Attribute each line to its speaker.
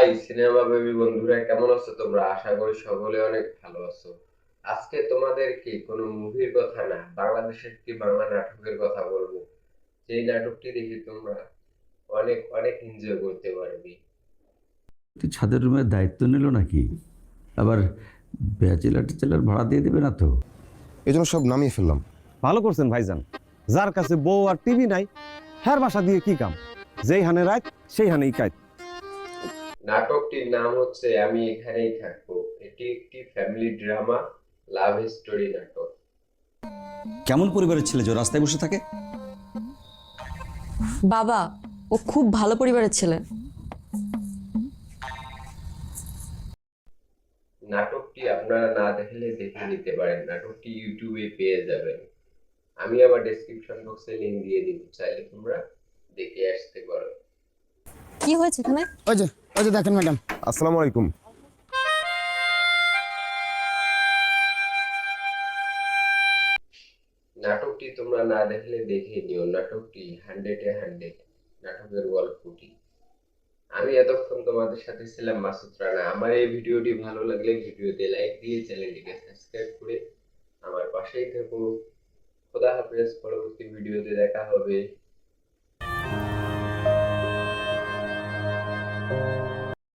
Speaker 1: High cinema baby বন্ধুরা, কেমন আছো তোমরা? আশা করি সকলে অনেক ভালো আছো। আজকে তোমাদেরকে কোনো মুভির কথা না, বাংলাদেশের একটি বাংলা নাটকের কথা বলবো। যেই নাটকটি দেখে তোমরা অনেক অনেক এনজয় করতে পারবে।
Speaker 2: ছাদের রুমের দায়িত্ব নিল নাকি? আবার ব্যাচেলার টেচেলার ভাড়া দিয়ে দেবে না তো?
Speaker 3: এই জন্য সব নামিয়ে ফেললাম।
Speaker 4: ভালো করছেন ভাইজান। যার কাছে বউ আর টিভি নাই, হ্যার বাসা দিয়ে কি কাম? যেই হানে রাত সেই হানেই কাজ।
Speaker 1: নাটকটির নাম হচ্ছে আমি এখানেই থাকবো। এটি একটি ফ্যামিলি ড্রামা লাভ স্টোরি নাটক।
Speaker 5: কেমন পরিবারের ছেলে যে ও রাস্তায় বসে থাকে?
Speaker 6: বাবা, ও খুব ভালো পরিবারের ছেলে।
Speaker 1: নাটকটি আপনারা না দেখলে দেখে নিতে পারেন, নাটকটি ইউটিউবে পেয়ে যাবেন। আমি আবার ডেসক্রিপশন বক্সে লিংক দিয়ে দিব, চাইলে তোমরা দেখে আসতে পারো।
Speaker 6: কি হয়েছে এখানে?
Speaker 7: ওই যে দেখেন ম্যাডাম।
Speaker 3: আসসালামু আলাইকুম।
Speaker 1: নাটকটি তোমরা না দেখলে দেখে নিও, নাটকটি 100-এ 100 নাটকের গল্পটি। আমি এতক্ষণ তোমাদের সাথে ছিলাম মাসুদ রানা। আমার এই ভিডিওটি ভালো লাগলে ভিডিওতে লাইক দিয়ে চ্যানেলটিকে সাবস্ক্রাইব করে আমার পাশেই থেকো। খোদা হাফেজ, পরবর্তী ভিডিওতে দেখা হবে।